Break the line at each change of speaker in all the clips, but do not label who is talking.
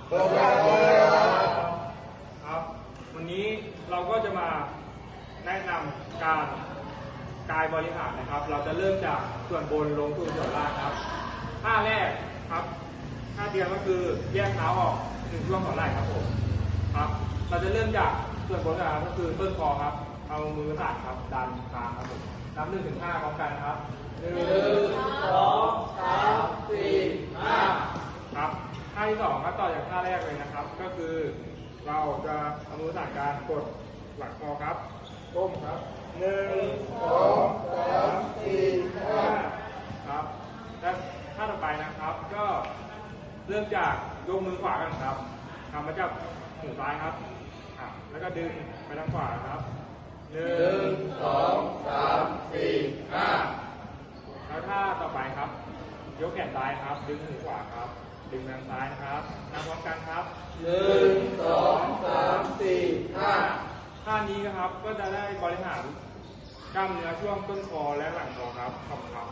ครับวันนี้เราก็จะมาแนะนำการกายบริหารนะครับเราจะเริ่มจากส่วนบนลงสู่ส่วนล่างครับท่าแรกครับท่าเดียวก็คือแยกเท้าออกถึงช่วงหัวไหล่ครับผมครับเราจะเริ่มจากส่วนบนนะครับก็คือต้นคอครับเอามือสั่นครับดันคางครับผมนับ1 ถึง 5พร้อมกันครับ1 2 3 4 5ครับท่าที่2ก็ต่อจากท่าแรกเลยนะครับก็คือเราจะเอามือสั่นการกดหลังคอครับก้มครับ1 2 3 4 5ครับและท่าต่อไปนะครับก็เริ่มจากยกมือขวากันครับทำมาจากหูซ้ายครับแล้วก็ดึงไปทางขวาครับ1 2 3 4 5แล้วท่าต่อไปครับยกแขนซ้ายครับดึงหูขวาครับดึงทางซ้ายนะครับทำพร้อมกันครับ1 2 3 4 5ท่านี้นะครับก็จะได้บริหารกล้ามเนื้อช่วงต้นคอและหลังคอครับขอบคุณครับ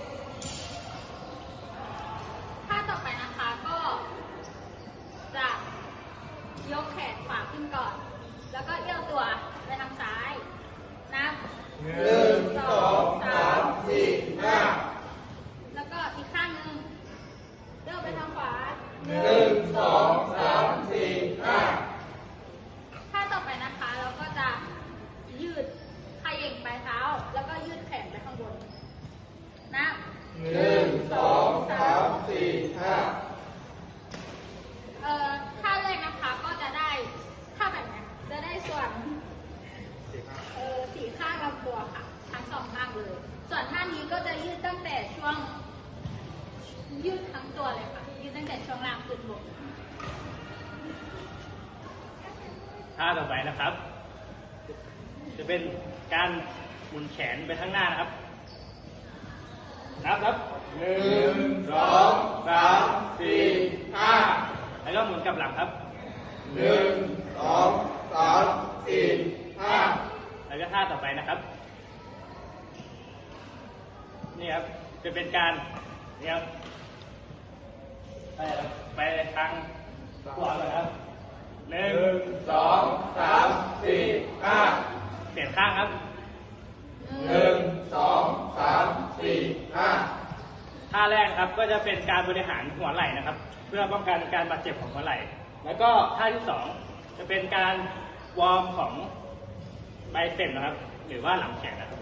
ท่าต่อไปนะคะก็จะยกแขนขวาขึ้นก่อนแล้วก็เอี้ยวตัวไปทางซ้ายนับ1 2 3 4 5แล้วก็อีกข้างหนึ่งเอี้ยวไปทางขวา1 2 3 4 5ท่าต่อไปนะคะเราก็จะยืดเขย่งปลายเท้าแล้วก็ยืดแขนไปข้างบนนับ1 2 3 4 5ท่าแรกนะคะก็จะได้ท่าแบบนี้จะได้ส่วน4 ข้างลำตัวค่ะทั้ง2 ข้างเลยส่วนท่านี้ก็จะยืดตั้งแต่ช่วงยืดทั้งตัวเลยค่ะยืดตั้งแต่ช่วงล่างขึ้นบน
ท่าต่อไปนะครับ จะเป็นการหมุนแขนไปข้างหน้านะครับนับ1 2 3 4 5แล้วก็หมุนกลับหลังครับ1 2 3 4 5แล้วก็ท่าต่อไปนะครับนี่ครับจะเป็นการนี่ครับไปทางขวาเลยครับ1 2 3 4 5เปลี่ยนข้างครับ1 2 3 4 5ท่าแรกครับก็จะเป็นการบริหารหัวไหล่นะครับเพื่อป้องกันการบาดเจ็บของหัวไหล่แล้วก็ท่าที่2จะเป็นการวอร์มของไบเซปนะครับหรือว่าหลังแขนนะครับ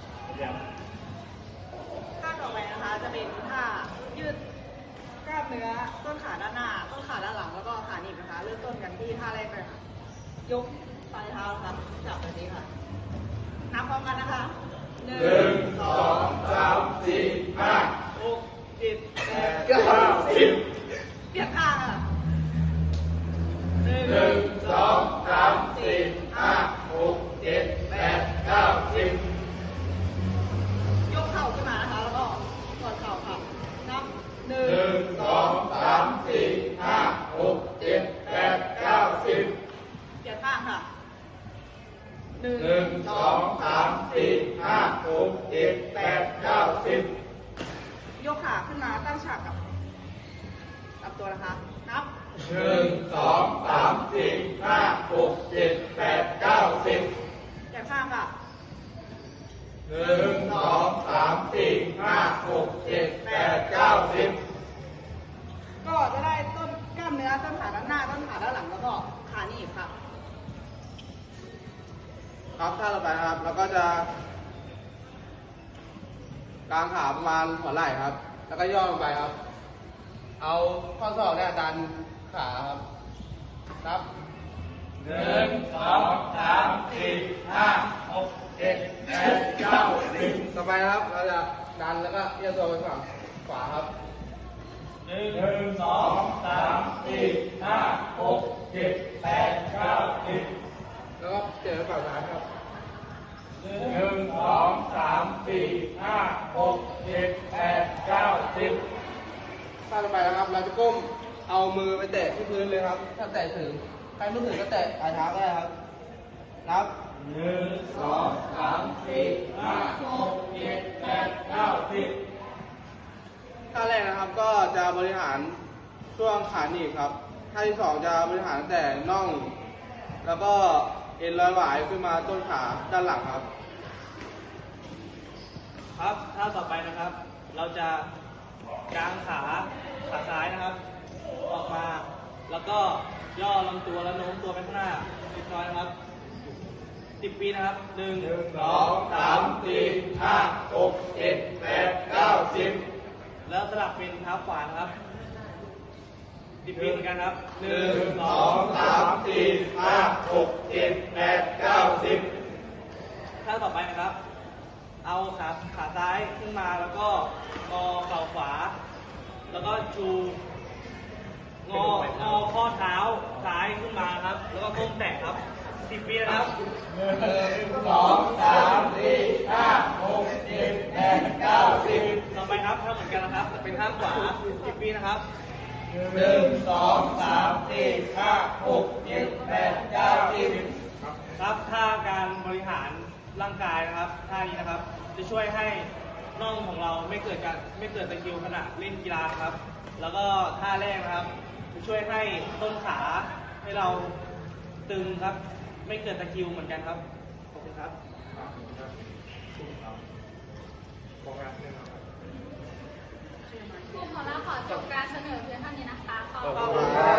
ท่าต่อไปนะคะจะเป็นท่ายืดกล้ามเนื้อต้นขาด้านหน้าต้นขาด้านหลังแล้วก็ขาหนีบนะคะเริ่มต้นกันที่ท่าแรกเลยค่ะยกปลายเท้าครับจับแบบนี้ค่ะนับพร้อมกันนะคะ1 2 3 4 5 6 7 8 9 10เปลี่ยนข้างค่ะ1 2 3 4 5 6 7 8 9 10ยกเข่าขึ้นมานะคะแล้วก็กดเข่าค่ะนับ1 2 3 4 5 6 7 8 9 10เปลี่ยนข้างค่ะ1 2 3 4 5 6 7 8 9 10ยกขาขึ้นมาตั้งฉากกับตัวนะคะนับ1 2 3 4 5 6 7 8 9 10เปลี่ยนข้างค่ะ1 2 3 4 5 6 7 8 9 10ก็จะได้ต้นกล้ามเนื้อต้นขาด้านหน้าต้นขาด้านหลังแล้วก็ขาหนีบค่ะ
ครับท่าต่อไปครับเราก็จะกางขาประมาณหัวไหล่ครับแล้วก็ย่อลงไปครับเอาข้อศอกเนี่ยดันขาครับครับ1 2 3 4 5 6 7 8 9 10ต่อไปครับเราจะดันแล้วก็เอี้ยวตัวไปฝั่งขวาครับ1 2 3 4 5 6 7 8 9 10แล้วก็เปลี่ยนไปฝั่งซ้ายครับ1 2 3 4 5 6 7 8 9 10ท่าต่อไปนะครับเราจะก้มเอามือไปแตะที่พื้นเลยครับถ้าแตะถึงใครไม่ถึงก็แตะปลายเท้าก็ได้ครับนับ1 2 3 4 5 6 7 8 9 10ท่าแรกนะครับก็จะบริหารช่วงขาหนีบครับท่าที่สองจะบริหารตั้งแต่น่อง แล้วก็เอ็นร้อยหวายขึ้นมาต้นขาด้านหลังครับ
ครับท่าต่อไปนะครับ เราจะกางขาซ้ายนะครับ ออกมา แล้วก็ย่อลำตัวแล้วโน้มตัวไปข้างหน้าเล็กน้อยนะครับ10 ปีนะครับ1 2 3 4 5 6 7 8 9 10แล้วสลับเป็นเท้าขวานะครับ10 ปีเหมือนกันครับ1 2 3 4 5 6 7 8 9 10ท่าต่อไปนะครับ เอาขาซ้ายขึ้นมาแล้วก็งอเข่าขวา แล้วก็ชูงอข้อเท้าซ้ายขึ้นมาครับ แล้วก็ก้มแตะครับ10 ปีนะครับ1 2 3 4 5 6 7 8 9 10ต่อไปครับท่าเหมือนกันนะครับเป็นท่าขวา10 ปีนะครับ1 2 3 4 5 6 7 8 9 10ครับท่าการบริหารร่างกายนะครับท่านี้นะครับ จะช่วยให้น่องของเราไม่เกิดตะคริวขณะเล่นกีฬาครับ แล้วก็ท่าแรกนะครับ จะช่วยให้ต้นขาให้เราตึงครับ ไม่เกิดตะคริวเหมือนกันครับขอบคุณครับ
โฟกัสเนี่ยนะครับ
กลุ่มของเราขอจบการเสนอเพียงเท่านี้นะคะขอบ
ขอบ
คุ
คุณ
ณ
ครับ